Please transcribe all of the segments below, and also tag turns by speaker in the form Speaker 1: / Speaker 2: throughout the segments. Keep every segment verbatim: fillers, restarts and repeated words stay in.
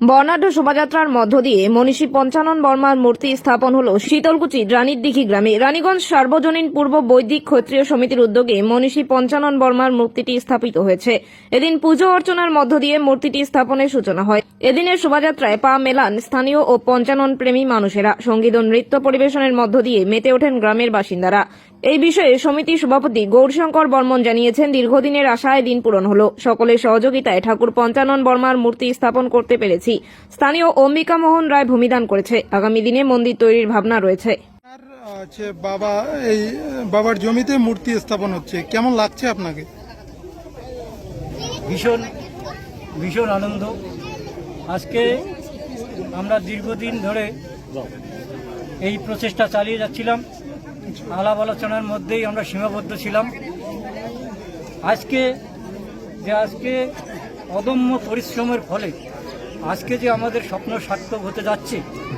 Speaker 1: বর্ণাঢ্য শোভাযাত্রার মধ্য দিয়ে মনীষী পঞ্চানন বর্মার মূর্তি স্থাপন হল শীতলকুচি রানীরদিঘি গ্রামে। রানীগঞ্জ সার্বজনীন পূর্ব বৈদিক ক্ষত্রিয় সমিতির উদ্যোগে মনীষী পঞ্চানন বর্মার মূর্তিটি স্থাপিত হয়েছে। এদিন পুজো অর্চনার মধ্য দিয়ে মূর্তিটি স্থাপনের সূচনা হয়। এদিনের শোভাযাত্রায় পা মেলান স্থানীয় ও পঞ্চানন প্রেমী মানুষেরা। সঙ্গীত ও নৃত্য পরিবেশনের মধ্য দিয়ে মেতে ওঠেন গ্রামের বাসিন্দারা। এই বিষয়ে সমিতির সভাপতি গৌরশঙ্কর বর্মন জানিয়েছেন, দীর্ঘদিনের আশায় দিন পূরণ হল। সকলের সহযোগিতায় ঠাকুর পঞ্চানন বর্মার মূর্তি স্থাপন করতে পেরেছি। স্থানীয় অম্বিকা মোহন রায় ভূমিদান করেছে। আগামী দিনে মন্দির তৈরির ভাবনা রয়েছে।
Speaker 2: আছে বাবা, এই বাবার জমিতে মূর্তি স্থাপন হচ্ছে, কেমন লাগছে আপনাকে?
Speaker 3: ভীষণ ভীষণ আনন্দ। আজকে আমরা দীর্ঘদিন ধরে এই প্রচেষ্টা চালিয়ে যাচ্ছিলাম, আলাপ আলোচনার মধ্যেই আমরা সীমাবদ্ধ ছিলাম। আজকে যে আজকে অদম্য পরিশ্রমের ফলে আজকে যে আমাদের স্বপ্ন সার্থক হতে যাচ্ছে,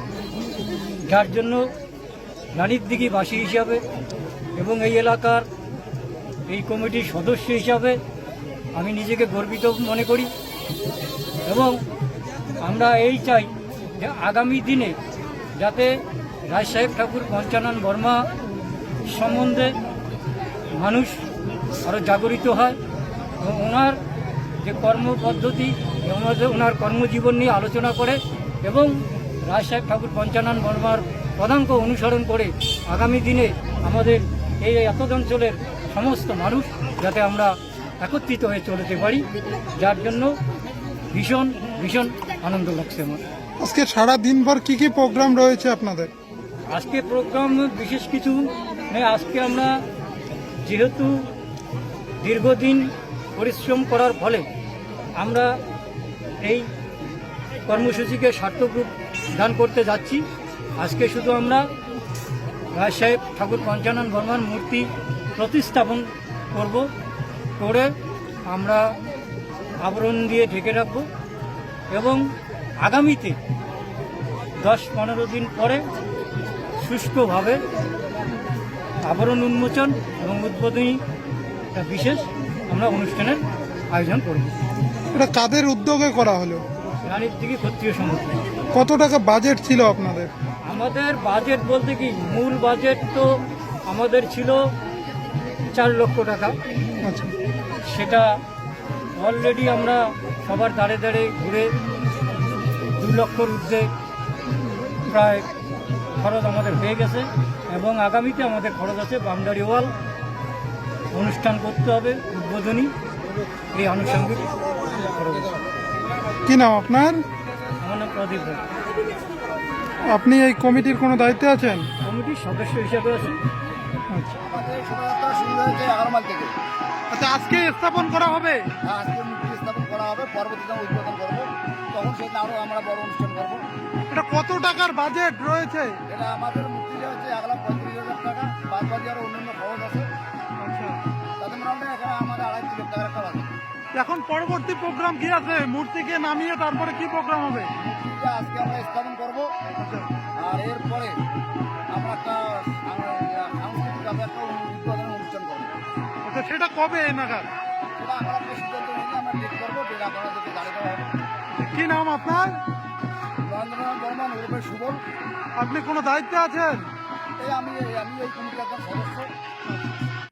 Speaker 3: যার জন্য রানীরদিঘিবাসী হিসাবে এবং এই এলাকার এই কমিটির সদস্য হিসাবে আমি নিজেকে গর্বিত মনে করি। এবং আমরা এই চাই যে আগামী দিনে যাতে রায়সাহেব ঠাকুর পঞ্চানন বর্মা সম্বন্ধে মানুষ আরও জাগরিত হয় এবং ওনার যে কর্মপদ্ধতি, ওনার কর্মজীবন নিয়ে আলোচনা করে এবং রায়সাহেব ঠাকুর পঞ্চানন বর্মার পদাঙ্ক অনুসরণ করে আগামী দিনে আমাদের এই এত অঞ্চলের সমস্ত মানুষ যাতে আমরা একত্রিত হয়ে চলতে পারি, যার জন্য ভীষণ ভীষণ আনন্দ লাগছে আমার।
Speaker 2: আজকে সারা দিনভর কি কি প্রোগ্রাম রয়েছে আপনাদের?
Speaker 3: আজকে প্রোগ্রাম বিশেষ কিছু নেই। আজকে আমরা যেহেতু দীর্ঘদিন পরিশ্রম করার ফলে আমরা এই কর্মসূচিকে সার্থক রূপ দান করতে যাচ্ছি। আজকে শুধু আমরা রায়সাহেব ঠাকুর পঞ্চানন বর্মার মূর্তি প্রতিস্থাপন করব, করে আমরা আবরণ দিয়ে ঢেকে রাখব এবং আগামীতে দশ পনেরো দিন পরে শুষ্কভাবে আবরণ উন্মোচন এবং উদ্বোধনী একটা বিশেষ আমরা অনুষ্ঠানের আয়োজন করব।
Speaker 2: এটা কাদের উদ্যোগে করা হলো?
Speaker 3: রানীরদিঘি ক্ষত্রিয় সমিতি।
Speaker 2: কত টাকা বাজেট ছিল আপনাদের?
Speaker 3: আমাদের বাজেট বলতে কি, মূল বাজেট তো আমাদের ছিল চার লক্ষ টাকা।
Speaker 2: আচ্ছা,
Speaker 3: সেটা অলরেডি আমরা সবার দাঁড়ে দাঁড়ে ঘুরে দু লক্ষর ঊর্ধ্বে প্রায় খরচ আমাদের হয়ে গেছে এবং আগামীতে আমাদের খরচ আছে বামদারি ওয়াল অনুষ্ঠান করতে হবে, উদ্বোধনী, এই আনুষঙ্গিক খরচ আছে।
Speaker 2: কি নাম আপনার?
Speaker 3: আমার নাম প্রদীপ রায়।
Speaker 2: আপনি এই কমিটির কোনো দায়িত্বে আছেন?
Speaker 3: কমিটির সদস্য হিসাবে আছি।
Speaker 2: আচ্ছা,
Speaker 4: আমাদের শোভাযাত্রা শুরু হয়েছে এগারোমাল থেকে।
Speaker 2: আচ্ছা, আজকে স্থাপন করা হবে?
Speaker 4: হ্যাঁ, আজকে মূর্তি স্থাপন করা হবে, পরবর্তীতে আমরা উদ্বোধন করবো, তখন সেটা আরও আমরা বড় অনুষ্ঠান করবো।
Speaker 2: এটা কত টাকার বাজেট রয়েছে?
Speaker 4: এটা আমাদের মূর্তিটা হচ্ছে এক লাখ পঁয়ত্রিশ হাজার টাকা, বাদ বাকি আরও অন্যান্য খরচ আছে।
Speaker 2: আচ্ছা,
Speaker 4: তাদের মোটামুটি এখানে আমাদের আড়াই তিন লাখ টাকার একটা বাজেট।
Speaker 2: এখন পরবর্তী প্রোগ্রাম কি আছে? মূর্তিকে নামিয়ে তারপরে কি প্রোগ্রাম হবে?
Speaker 4: মূর্তিটা আজকে আমরা স্থাপন করবো,
Speaker 2: আচ্ছা,
Speaker 4: আর এরপরে আমরা একটা সাংস্কৃতিকভাবে একটা উদ্বোধন অনুষ্ঠান করবো।
Speaker 2: আচ্ছা, সেটা কবে নাগাদ?
Speaker 4: সেটা আমরা একটা সিদ্ধান্ত নিয়ে আমরা ডেট করবো, ডেট আপনাদেরকে জানিয়ে দেওয়া হবে।
Speaker 2: কি নাম আপনার?
Speaker 4: নরেন্দ্রনাথ বর্মন ওরফে সুবল।
Speaker 2: আপনি কোনো দায়িত্বে আছেন?
Speaker 4: এই আমি আমি এই কমিটির একজন সদস্য।